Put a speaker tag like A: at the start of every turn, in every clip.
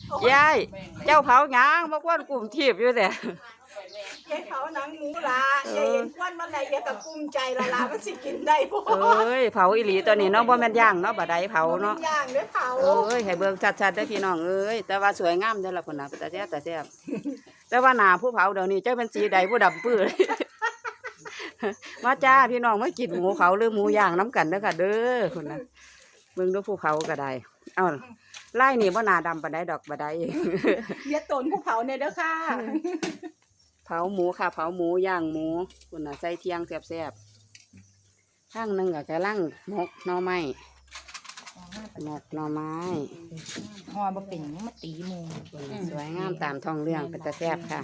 A: ยายเจ้าเผาหยังมาควนกลุ่มทีบอยู่แต่
B: ยายเผาหนังหมูละยายเห็นควันมันไหนยายก็ภูมิใจละลามันสิกินได้บ่
A: เอ้ยเผาอีหลีตัวนี้เนาะบ่แม่นย่างเนาะบ่ได้เผาเนาะ
B: ย่างเด้อเผา
A: เอ้ยให้เบิ่งชัดๆเด้อพี่น้องเอ้ยแต่ว่าสวยงามเด้อล่ะพุ่นน่ะแต่แซ่บแต่ว่าหน้าผู้เผาเดี๋ยวนี้เจ้าเป็นสีใดผู้ดำปื้อมาจ้าพี่น้องมากินหมูเผาหรือหมูย่างน้ำกันเด้อค่ะเด้อพุ่นน่ะเบิ่งดูผู้เผาก็ได้เอ้าไล่นี่บ่หน้าดำปานใดดอกบ่ได้
B: เดี๋ยวตนผู้เผาเนี่ยเด้อค่ะ
A: เผาหมูค่ะเผาหมูย่างหมูคุณน่ะใส่เทียงแซ่บๆข้างหนึงก็กำลังหมกหน่อไม้หมกหน่อไม้
C: หอบ่เป็นมาตีหมู
A: สวยงามตามท้องเรื่องเป็นตาแซ่บค่ะ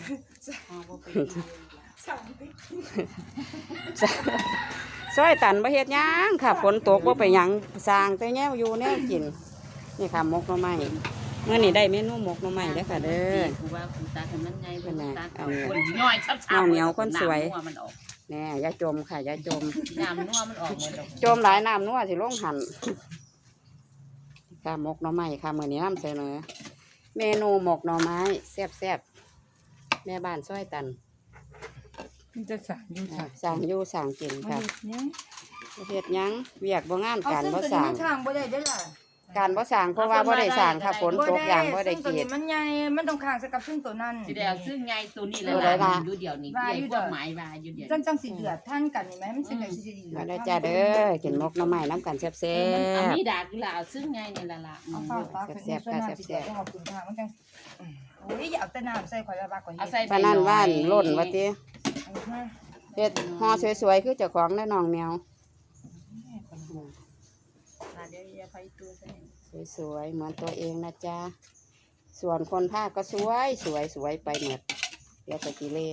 A: ซอยตันบ่เฮ็ดหยังค่ะฝนตกบ่ไปหยังสร้างแต่แนวอยู่แนวกินนี่ค่ะหมกหน่อไม้เมื่อนี้ได้เมนูหมกหน่อไม้เด้อค่ะเด้อ
C: กูว่ากูตากันมันไงเพิ่นตา
A: เอา
C: คนย่อยชับๆ
A: เอาเหนียวคนสวย
C: มันออก
A: แน่อย่าจมค่ะอย่าจม
C: น้ำนัวมันออกหมดแล้ว
A: จมหลายน้ำนัวสิลงหันค่ะหมกหน่อไม้ค่ะมื้อนี้นำเสนอเมนูหมกหน่อไม้แซ่บๆแม่บ้านซอยตัน
C: มันจะสั่งอยู่ค่ะ
A: สั่งอยู่สั่งกินค่ะเฮ็ดหยังเวียกบ่งาน
C: เอา
A: การ
C: ซึ่ง
A: บ่
C: ตัว
A: สั่
C: นี้
A: ง
C: มันข้างบ่ได้เด้อล่ะ
A: การบ่สั่งเพราะว่าบ่ได้สั่งค่ะฝนตกอย่างบ่ได้
C: ตัว
A: เกี
C: นี้
A: ด
C: มันใหญ่มันต้องข้างกับซึ่งตัวนั้น
D: สิได้เอาซึ่งไงตัวนี้
A: ตัวใดล่ะ
D: ดูเดียวนี้ใหญ่กว่าหมายว่าอยู่เดียว
C: จังสิเดือดท่านกันนี่ไหมมันสิได้สิเดือ
A: มา
C: ด
A: ได้จ้าเด้อกินหมกหน่อไม้น้ำกันแซ่
D: เอา
A: บ
D: มีดาดกุหลาบซึ่งไงนี่ล่ะ
C: เอาฟ้าฟ้าคือส่วนน้ำสิเดือดต้องเอาคุณทางมันจังโอ้ยอย่าเอาแต่น้ำใส่ข่อยละบากกว่า
D: เอา
C: เฮ็ด
D: ใส่
A: ๆปานนั้นว่านล่นว่าติ
C: เอามา
A: เฮ็ดห่อสวยๆคือเจ้าของเด้อน้องแมว
D: เดี๋ยวอย่าไปตัวใส่
A: สวยๆเหมือนตัวเองนะจ๊ะส่วนคนภาคก็สวยไปหมดเดี๋ยวจะกิเล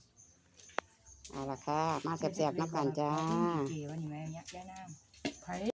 A: เอาล่ะค่ะมาแซ่บๆน้ำกันจ้า
C: เก๋วันนี้แม่เนี่ยแย่น้ำ